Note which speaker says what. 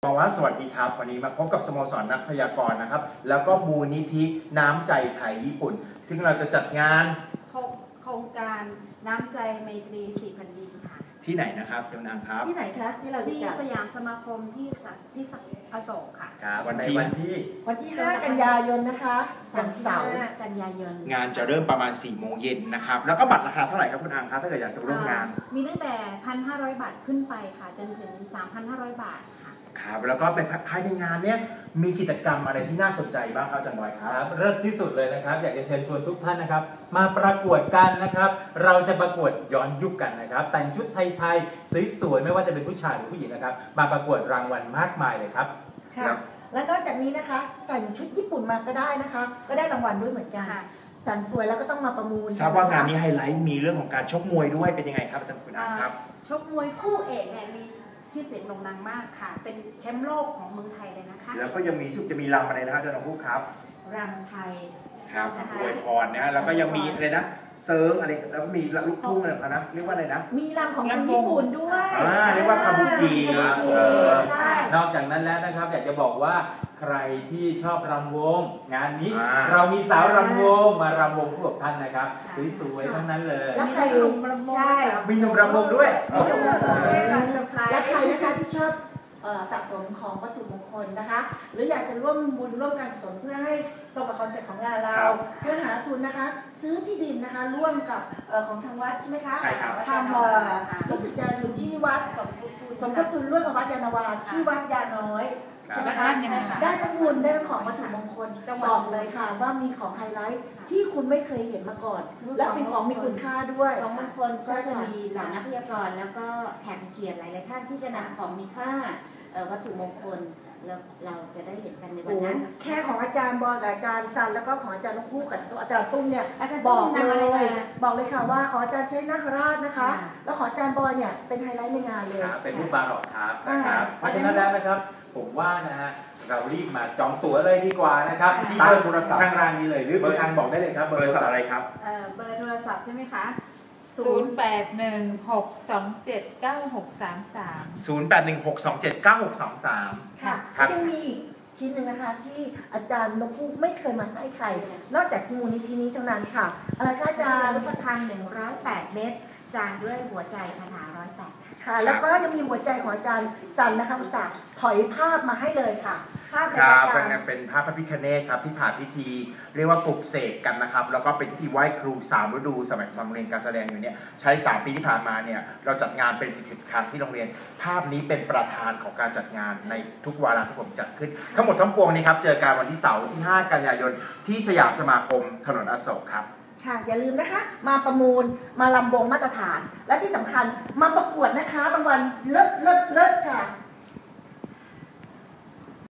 Speaker 1: บอกว่าสวัสดีครับวันนี้มาพบกับสโมสรนักพยากรณ์นะครับแล้วก็มูลนิธิน้ำใจไทยญี่ปุ่นซึ่งเราจะจัดงาน
Speaker 2: โครงการน้ำใจไมตรี4 แผ่นดินค่ะ
Speaker 1: ที่ไหนนะครับเจ้านางครับ
Speaker 3: ที่ไหนคะที่เรา
Speaker 2: ที่สยามสมาคมที่อโศกค่ะ
Speaker 1: วันที่
Speaker 3: 5 กันยายนนะคะวันเสาร์
Speaker 2: 5 กันยายน
Speaker 1: งานจะเริ่มประมาณ4 โมงเย็นนะครับแล้วก็บัตรราคาเท่าไหร่ครับคุณอังครับถ้าเกิดอยากจะร่วมงาน
Speaker 2: มีตั้งแต่ 1,500 บาทขึ้นไปค่ะจนถึง 3,500 บาท
Speaker 1: ครับแล้วก็เป็นภายในงานเนี้ยมีกิจกรรมอะไรที่น่าสนใจบ้างครับอาจารย์บอยครับ
Speaker 4: เริ่มที่สุดเลยนะครับอยากจะเชิญชวนทุกท่านนะครับมาประกวดกันนะครับเราจะประกวดย้อนยุคกันนะครับแต่งชุดไทยๆสวยๆไม่ว่าจะเป็นผู้ชายหรือผู้หญิงนะครับมาประกวดรางวัลมากมายเลยครับ
Speaker 3: ค่ะและนอกจากนี้นะคะแต่งชุดญี่ปุ่นมาก็ได้นะคะก็ได้รางวัลด้วยเหมือนกันแต่งสวยแล้วก็ต้องมาประมูล
Speaker 1: ทราบว่างานนี้ไฮไลท์มีเรื่องของการชกมวยด้วยเป็นยังไงครับอาจารย์คุณอังครับ
Speaker 2: ชกมวยคู่เอกเนี่ยมีชื่อเสียงโด่งดังมากค่ะเป็นแชมป์โลกของเมืองไทยเลยนะคะ
Speaker 1: แล้วก็ยังมีจะมีรำอะไรนะครับอาจารย์น้องผู้ครับ
Speaker 3: รำไทย
Speaker 1: ครับอวยพรนะแล้วก็ยังมีอะไรนะเซิร์งอะไรแล้วก็มีลูกทุ่งอะไรนะเรียกว่าอะไรนะ
Speaker 3: มีรำของคนญี่ปุ่นด้วย
Speaker 1: เรียกว่าคาบุกิ
Speaker 4: นอกจากนั้นแล้วนะครับอยากจะบอกว่าใครที่ชอบรำวงงานนี้เรามีสาวรำวงมารำวงคู่กับท่านนะครับสวยๆทั้งนั้นเลย
Speaker 3: แล้วใครมีหนุ่มรำวง
Speaker 4: ด้วย
Speaker 3: และใครนะคะที่ชอบสะสมของวัตถุมงคลนะคะหรืออยากจะร่วมบุญร่วมการกุศลเพื่อให้ตรงกับคอนเซ็ปต์ของงานเราเพื่อหาทุนนะคะซื้อที่ดินนะคะร่วมกับของทางวัดใช่ไหมคะ
Speaker 1: ใช่ครับ
Speaker 3: ทำรู้สึกจะทุนที่วัดสมทบทุนร่วมกับวัดยานาวาที่วัดยาน้อยใช่ไหมคะได้ทั้งบุญได้ทั้งของวัตถุมงคลบอกเลยค่ะว่ามีของไฮไลท์ที่คุณไม่เคยเห็นมาก่อนและเป็นของมีคุณค่าด้วย
Speaker 5: ของมงคลก็จะมีเหล่านักพยากรณ์แล้วก็แขกเกียรติหลายๆท่านที่จะนำของมีค่าวัตถุมงคลแล้วเราจะได้เห็นกันในวันนั้น
Speaker 3: แค่ของอาจารย์บอยกับอาจารย์ซันแล้วก็ของอาจารย์นกคู่กับอาจารย์ตุ้มเนี่ยบอกเลยค่ะว่าของอาจารย์ใช้นาคราชนะคะแล้วของอาจารย์บอยเนี่ยเป็นไฮไลท์ในงานเลย
Speaker 4: เป็นรูปบาร์อกครับนะครับเพราะฉะนั้นแล้วนะครับผมว่านะฮะเรารีบมาจองตั๋วเลยดีกว่านะครับ
Speaker 1: ที่เบอร์โทรศัพท์
Speaker 4: ทางร้านนี้เลยหรือเบอร์ทางบอกได้เลยครับ
Speaker 1: เบอร์โทรศัพท์อะไรครับ
Speaker 2: เบอร์โทรศัพท์ใช่ไหมคะ
Speaker 1: 0816279633
Speaker 3: ค่ะยังมีอีกชิ้นหนึ่งนะคะที่อาจารย์นกพูกไม่เคยมาให้ใครนอกจากมูลนิธินี้เท่านั้นค่ะอะไรคะอาจารย์
Speaker 5: รูปพรรณ108 เม็ดจานด้วยหัวใจคาถา108
Speaker 3: ค่ะแล้วก็ยังมีหัวใจของอาจารย์สันนะคะอุตส่าห์ถอยภาพมาให้เลยค่ะ
Speaker 1: ภาพเป็นภาพพระพิฆเนศครับที่ผ่านพิธีเรียกว่าปลุกเสกกันนะครับแล้วก็เป็นพิธีไหว้ครู3 ฤดูสมัยโรงเรียนการแสดงอยู่เนี่ยใช้3 ปีที่ผ่านมาเนี่ยเราจัดงานเป็น10 ครั้งที่โรงเรียนภาพนี้เป็นประธานของการจัดงานในทุกวาระที่ผมจัดขึ้นทั้งหมดทั้งปวงนี้ครับเจอกันวันที่เสาร์ที่5 กันยายนที่สยามสมาคมถนนอโศกครับ
Speaker 3: ค่ะอย่าลืมนะคะมาประมูลมาลำวงมาตรฐานและที่สำคัญมาประกวดนะคะรางวัลเลิศค่ะ